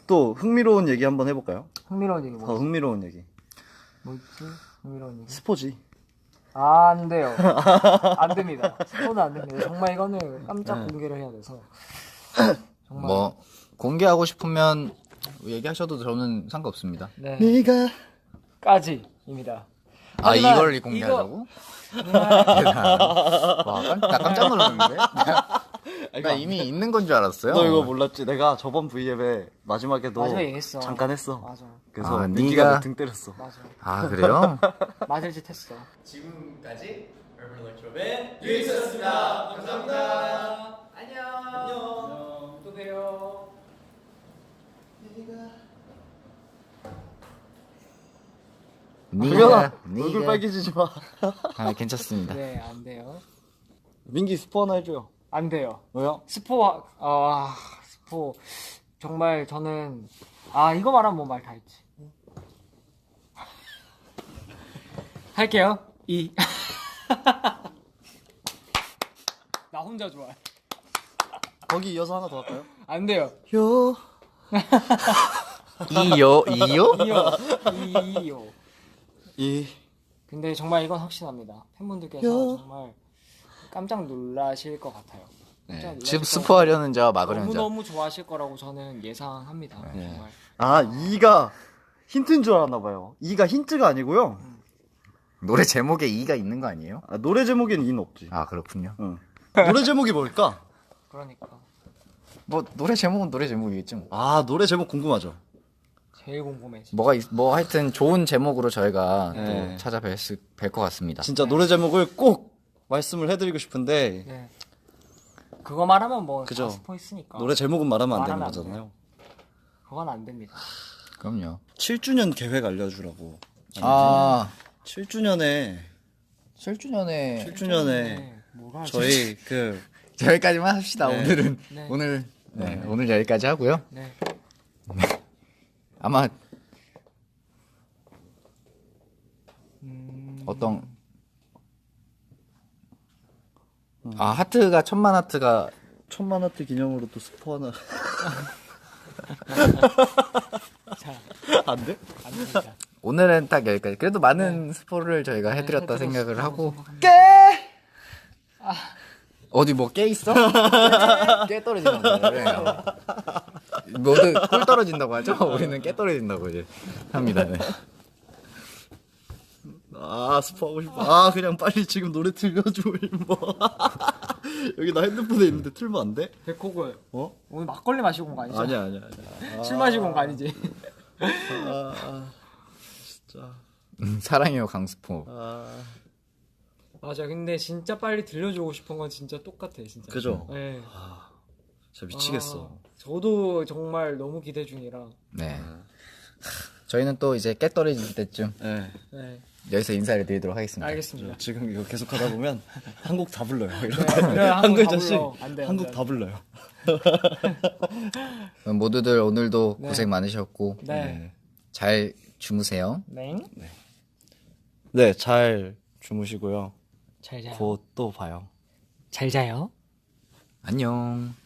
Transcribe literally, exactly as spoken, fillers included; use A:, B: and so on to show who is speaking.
A: 또 흥미로운 얘기 한번 해볼까요?
B: 흥미로운 얘기
A: 더
B: 뭐?
A: 흥미로운 얘기.
B: 뭐 있지? 흥미로운 얘기.
A: 스포지.
B: 아, 안 돼요. 안 됩니다. 스포는 안 됩니다. 정말 이거는 깜짝
A: 네.
B: 공개를 해야 돼서. 정말.
C: 뭐 공개하고 싶으면 얘기하셔도 저는 상관없습니다.
B: 네.
A: 네가
B: 까지입니다.
C: 아
B: 하지만
C: 이걸 공개하자고? 와, 깜, 나 깜짝 놀랐는데? 나 이미 있는 건 줄 알았어요.
A: 너 이거 몰랐지? 내가 저번 브이앱에 마지막에도
B: 마지막에 했어.
A: 잠깐 했어.
B: 맞아.
A: 그래서
C: 아,
A: 민기가
C: 네가-
A: 내 등 때렸어.
B: 맞아.
C: 아 그래요?
B: 맞을 짓 했어.
D: 지금까지 얼굴 렉처의 유익스였습니다. 감사합니다.
B: 안녕. 안녕. 또 봬요.
A: 도겸아,
C: 네가-
A: 얼굴
C: 네가-
A: 빨개지지 마.
C: 아 괜찮습니다.
B: 네, 안 돼요.
A: 민기 스포 하나 해줘요.
B: 안 돼요.
A: 왜요?
B: 스포, 아, 스포. 정말 저는, 아, 이거 말하면 뭐 말 다 했지. 할게요. 이. 나 혼자 좋아해.
A: 거기 이어서 하나 더 할까요?
B: 안 돼요.
A: 요.
C: 이요 이요?
B: 이요. 이요.
A: 이.
B: 근데 정말 이건 확신합니다. 팬분들께서
A: 요.
B: 정말 깜짝 놀라실 것 같아요. 깜짝
C: 네.
B: 놀라실
C: 지금
B: 것
C: 스포하려는 자와
B: 같아요.
C: 막으려는 자.
B: 너무너무 좋아하실 거라고 저는 예상합니다.
C: 네.
B: 정말.
A: 아, 이가 힌트인 줄 알았나 봐요. 이가 힌트가 아니고요.
C: 노래 제목에 이가 있는 거 아니에요?
A: 아, 노래 제목에는 이는 없지.
C: 아 그렇군요.
A: 응. 노래 제목이 뭘까?
B: 그러니까.
C: 뭐 노래 제목은 노래 제목이겠죠. 뭐.
A: 아, 노래 제목 궁금하죠.
B: 제일 궁금해. 진짜.
C: 뭐가 있- 뭐 하여튼 좋은 제목으로 저희가
A: 네.
C: 또 찾아뵐 수, 뵐것 같습니다.
A: 진짜 노래 제목을 꼭 말씀을 해드리고 싶은데
B: 네. 그거 말하면 뭐
A: 그죠.
B: 다 스포 있으니까.
A: 노래 제목은 말하면 안 되는
B: 말하면 안
A: 거잖아요.
B: 그건 안 됩니다.
C: 그럼요.
A: 칠 주년 계획 알려주라고.
C: 아
A: 칠 주년에
C: 칠 주년에
A: 칠 주년에
B: 네, 뭐가
A: 저희 그
C: 여기까지만 합시다.
A: 네.
C: 오늘은
B: 네.
C: 오늘 네, 오늘 여기까지 하고요.
B: 네.
C: 아마
B: 음...
C: 어떤 아 하트가 천만 하트가
A: 천만 화트 기념으로 또 스포 하나.
B: 자,
A: 안 돼?
B: 안 됩니다.
C: 오늘은 딱 여기까지. 그래도 많은 스포를 저희가 해드렸다
B: 해드렸-
C: 생각을 하고
A: 깨!
C: 어디 뭐 깨 있어? 깨 떨어진다고 그래요. 모두 꿀 떨어진다고 하죠? 우리는 깨 떨어진다고 이제 합니다. 네.
A: 아, 스포 하고 싶어. 아, 그냥 빨리 지금 노래 틀려줘, 임마. 여기 나 핸드폰에 있는데 틀면 안 돼?
B: 백호글
A: 어?
B: 오늘 막걸리 마시고 온 거 아니죠?
A: 아니야, 아니야, 아니야.
B: 술 마시고 온 거 아니지?
A: 아, 아, 진짜.
C: 음, 사랑해요 강스포.
A: 아,
B: 맞아. 근데 진짜 빨리 들려주고 싶은 건 진짜 똑같아, 진짜.
A: 그죠?
B: 네.
A: 진짜 미치겠어.
B: 아, 저도 정말 너무 기대 중이라.
C: 네. 저희는 또 이제 깨 떨어질 때쯤
A: 네.
B: 네.
C: 여기서 인사를 드리도록 하겠습니다.
B: 알겠습니다.
A: 지금 이거 계속 하다 보면 한국 다 불러요. 이렇게
B: 네, 그래,
A: 한
B: 한국 다
A: 글자씩
B: 불러. 안 돼, 안
A: 한국
B: 돼.
A: 다 불러요.
C: 그럼 모두들 오늘도
B: 네.
C: 고생 많으셨고
B: 네.
C: 잘 주무세요.
B: 네.
A: 네, 잘 주무시고요.
B: 잘 자요.
A: 곧 또 봐요.
B: 잘 자요.
C: 안녕.